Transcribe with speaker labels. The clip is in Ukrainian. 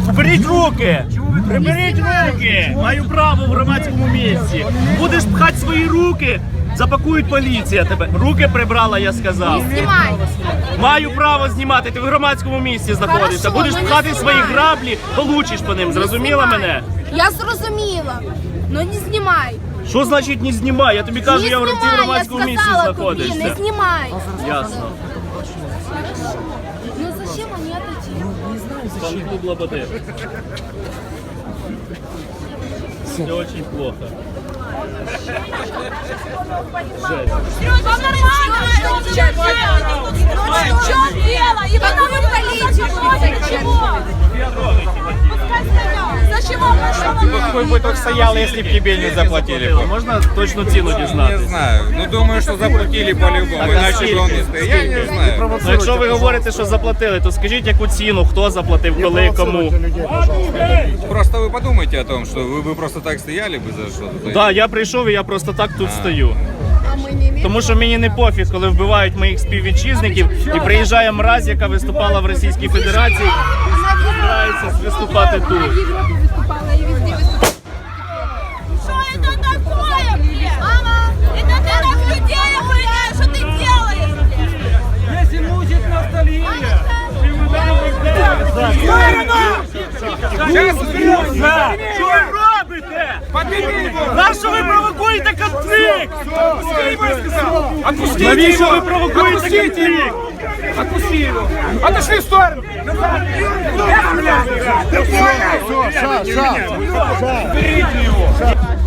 Speaker 1: Уберіть руки! Приберіть руки! Маю право в громадському місці. Будеш пхати свої руки, запакують поліція тебе. Руки прибрала, я сказав.
Speaker 2: Знімай.
Speaker 1: Маю право знімати, ти в громадському місці знаходишся.
Speaker 2: Хорошо,
Speaker 1: Будеш
Speaker 2: ну не
Speaker 1: пхати свої
Speaker 2: знімай.
Speaker 1: граблі, получиш по ним. Зрозуміла
Speaker 2: Знімай.
Speaker 1: мене?
Speaker 2: Я зрозуміла. Ну не знімай.
Speaker 1: Що значить не знімай? Я тобі кажу,
Speaker 2: Не
Speaker 1: я в
Speaker 2: знімай,
Speaker 1: громадському
Speaker 2: я
Speaker 1: місці
Speaker 2: сказала тобі,
Speaker 1: знаходишся.
Speaker 2: не знімай.
Speaker 1: Ясно.
Speaker 2: Ну зачем они отойти?
Speaker 1: Фан-клуб Лободы. Все очень плохо. Жесть.
Speaker 2: Вам нормально? В чем дело? И потом вы полицию будете. Зачем вам
Speaker 3: Вы бы только стоял, если бы тебе не заплатили.
Speaker 1: Можна точну ціну
Speaker 3: Не
Speaker 1: дізнатися?
Speaker 3: знаю. Ну думаю, что заплатили по-любому.
Speaker 1: Так, а
Speaker 3: Иначе
Speaker 1: скільки?
Speaker 3: бы он не стоял. Я не знаю.
Speaker 1: Ну, якщо ви говорите, що заплатили, то скажіть, яку ціну, хто заплатив, коли, кому.
Speaker 3: Просто вы подумайте о том, что вы бы просто так стояли бы за что-то.
Speaker 1: Так, я прийшов і я просто так тут стою. Тому що мені не пофіг, коли вбивають моїх співвітчизників і приїжджає мразь, яка виступала в Російській Федерації і збирається виступати тут.
Speaker 2: Что это такое, блин? Мама, это ты так людей охраняешь, что ты делаешь, блин?
Speaker 4: Если мучит ностальгия,
Speaker 1: Що ви робите? Нащо ви провокуєте конфлікт? Навіщо ви провокуєте конфлікт?
Speaker 4: отпусти его. Отошли в сторону.
Speaker 5: Все, Саша, Саша.